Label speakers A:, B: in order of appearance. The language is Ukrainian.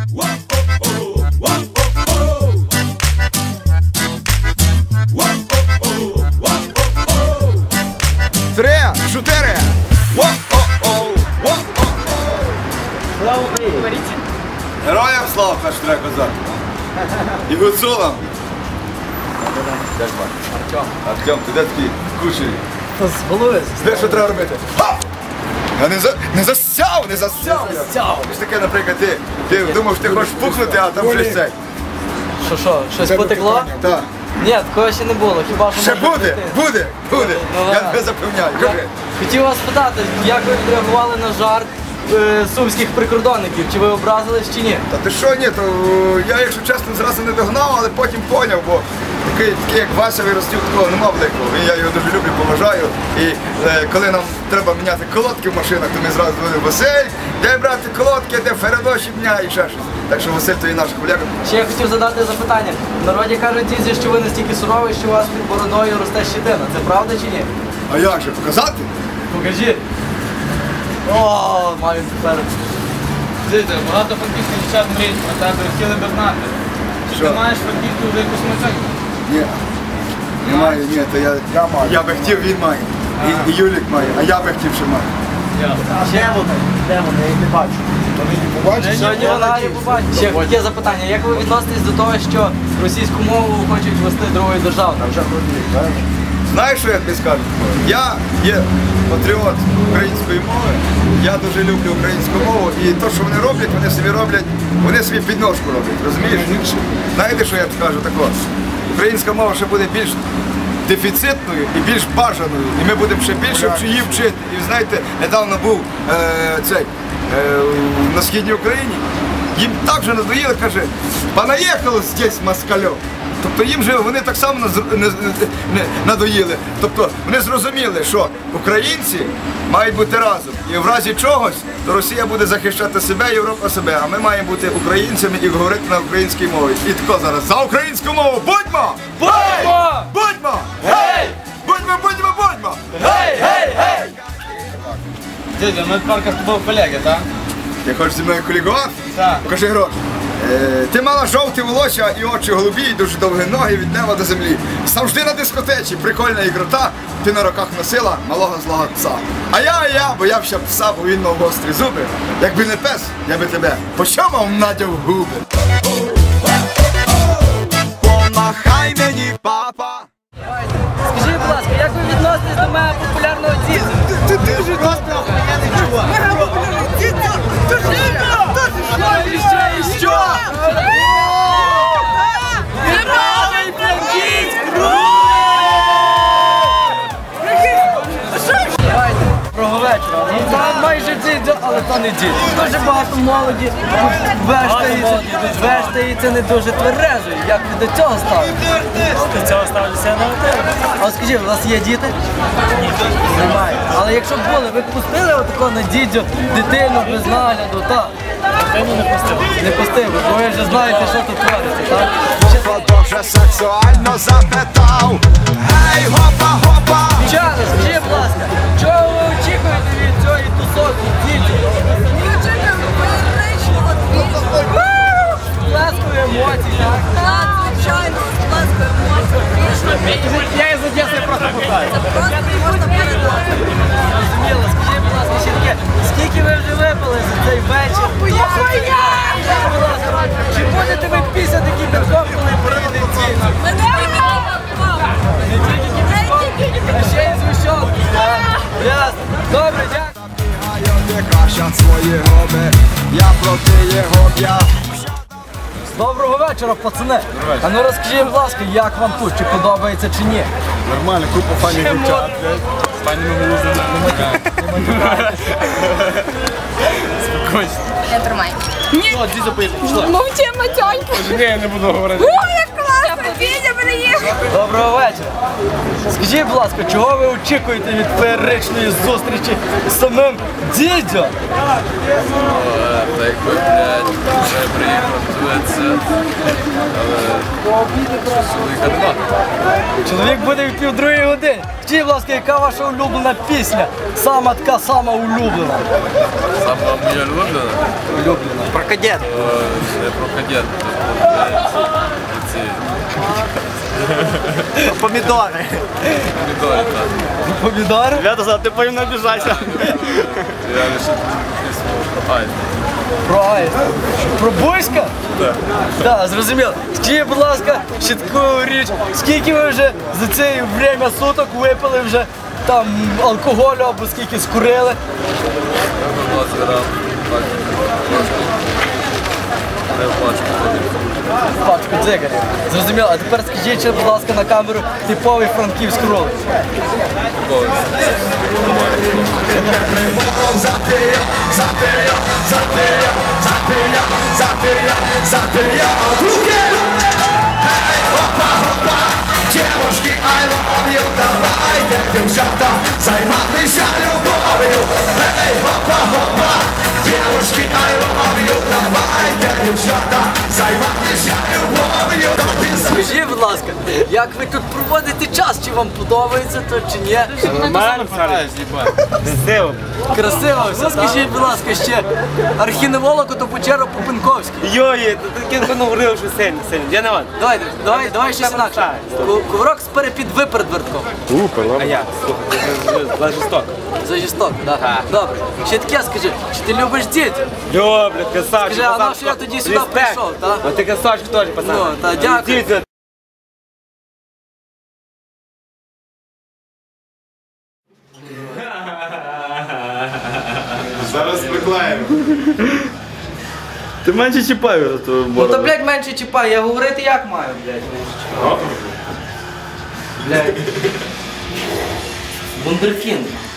A: Три, чотири.
B: Слава Україні!
A: Героям слава, перш треба казати. І гуцулам. Як звати? Артем, ти де такий кучері?
B: З голови.
A: Знаєш, що треба робити? Ха! Я не засяв! Ти ж таке, наприклад, ти думав, що ти хочеш пухнути, а там щось цей.
B: Що, щось потекло?
A: Так.
B: Ні, такого ще не було, хіба що
A: Ще
B: може
A: буде,
B: бути.
A: буде.
B: Ну,
A: Я
B: ладно.
A: тебе запевняю. Кажи.
B: Хотів вас спитати, як ви відреагували на жарт сумських прикордонників? Чи ви образились чи ні?
A: Та ти що, ні, то я, якщо чесно, зразу не догнав, але потім поняв, бо такий як Вася Виростів, такого нема великого. Я його дуже люблю, поважаю. І коли нам треба міняти колодки в машинах, то ми зразу говоримо: Василь, де брати колодки, де фередоші дня і ще щось. Так що Василь, то і наш колега.
B: Ще я хотів задати запитання. В народі кажуть дідзі, що ви настільки суровий, що у вас під бородою росте щетина. Це правда чи ні?
A: А як же, показати?
B: Покажіть. О, маю тепер.
C: Дивіться, багато франківських дівчат мріють про тебе, хотіли би знати. Чи
A: Що?
C: ти маєш франківську вже якусь машину?
A: Ні. Немає, ні, то я би хотів, він має. І Юлік має, а я би хотів, що має.
B: Ще вони? Де вони? Я їх не бачу. Сьогодні вона не побачить. Ще таке запитання. Як ви відноситесь до того, що російську мову хочуть ввести другою державною?
A: Знаєш, що я тобі скажу? Я є патріот української мови, я дуже люблю українську мову, і те, що вони роблять, вони собі підножку роблять, розумієш? Знаєте, що я скажу такого? Українська мова ще буде більш дефіцитною і більш бажаною, і ми будемо ще більше її вчити. І ви знаєте, недавно був на Східній Україні, їм так же надоїли, каже, понаїхало здесь москальов. Тобто їм же вони так само надоїли. Тобто вони зрозуміли, що українці мають бути разом. І в разі чогось, то Росія буде захищати себе, Європа себе, а ми маємо бути українцями і говорити на українській мові. І тако зараз за українську мову будьмо!
B: Будьмо!
A: Будьмо!
B: Гей!
A: Будьмо!
B: Гей, гей, гей!
C: Дідя, ми тепер з тобою колеги, так?
A: Ти хочеш зі мною колігувати?
C: Так.
A: Покажи гроші. Ти мала жовті волосся і очі голубі, і дуже довгі ноги від неба до землі. Завжди на дискотеці, прикольна ігрота, ти на руках носила малого злого пса. А я боявся пса, бо він мав гострі зуби. Якби не пес, я би тебе пощамав надяв губи. Помахай мені, папа.
B: Скажіть, будь ласка, як ви відноситесь до мене популярного дідзя?
A: Ти дуже добре, я не чувак.
B: І що? Неправий Франківськ! Давайте, доброго вечора. Там майже дідзя, але то не дідзя. Дуже багато молоді вештається не дуже тверезою. Як ви до цього ставите?
D: До цього ставлюся на один.
B: А скажіть, у вас є діти? Ні. Немає. Але якщо б були, ви б пустили отако на дідзю дитину без нагляду, так?
D: Дитину не пустив.
B: Не пустив, бо ви вже знаєте, що тут твориться, так?
A: Дуже сексуально запитав. Гей, гопа!
B: Дівчата, скажіть, будь ласка, чого ви очікуєте від цієї тусовки дітей?
E: Ми очікуємо феєричного двіжу.
B: Сплеску емоцій, так?
E: Так, звичайно, сплеску емоцій.
B: Я із Одеси просто питаю.
E: Це просто не можна передати.
B: Зрозуміло, скажіть, будь ласка, ще таке, скільки ви вже випили за цей вечір? Будь ласка, чи будете ви після такий підкоп, коли приїде ціна?
E: Ми не підемо.
B: Не тільки підкоп, а ще й згущенки, так? Ясно. Добре, дякую.
A: Ти кращать свої губи, я проти його б'я.
B: Доброго вечора, пацани. А ну розкажіть, будь ласка, як вам тут, чи подобається чи ні?
A: Нормально, купа файних дівчат.
C: З пані Мегулузами. Спокійно.
E: Не тримай.
C: О, дідя поїхав, пішла.
E: Мовчи, матьонька.
C: Ні, я не буду говорити.
E: Ой, як класно. Дідя, мене приїхав.
B: Доброго вечора. Скажіть, будь ласка, чого ви очікуєте від феєричної зустрічі з самим дідьо?
F: Та якби, блядь, вже приїхав туди, але чоловіка нема.
B: Чоловік буде в 1:30. Скажіть, будь ласка, яка ваша улюблена пісня? Сама така сама улюблена.
F: Сама моя улюблена?
B: Про кадет.
F: Не про кадет, ці
B: Помідори.
F: помідори, так.
B: Помідори?
D: Ребята, ти потім не обіжайся.
F: Я лише пісню про Айд.
B: Про Аїст. Про Буська?
F: Так.
B: Так, зрозуміло. Скажіть, будь ласка, ще таку річ, скільки ви вже за це время суток випили вже там алкоголю або скільки скурили?
F: 20 грам, не плачу.
B: Пачку дзигарів. Зрозуміло. А тепер скажіть, ще, будь ласка, на камеру типовий франківський ролик.
G: Девушки, I love you, давайте, дівчата, займатися любов'ю. Ей, хопа-хопа, девушки, I love you, давайте, дівчата, займатися любов'ю.
B: Скажіть, будь ласка, як ви тут проводите час? Чи вам подобається то чи ні?
D: Нормально, красиво.
B: Красиво все. Скажіть, будь ласка, ще архіневолог то Печеро Попенковський.
D: Йой, таке говорив, що сильно. Я не ван.
B: Давай щось інакше. Коврок з перепід виперед вертком.
D: А я? Слухай, жорстоко.
B: За жорстоко, так? Добре. Ще таке скажи, чи ти любиш дітей?
D: Люблю, красавчик.
B: Скажи, а на що я тоді сюди прийшов, так?
D: А ти красавчик теж, пацан.
B: Ну, та дякую.
D: Дідьо,
A: Зараз приклеїмо.
D: ти менше чіпай вже ту
B: Ну то, блядь, менше чіпай, я говорити як маю, блядь. Блядь. Вундеркінд.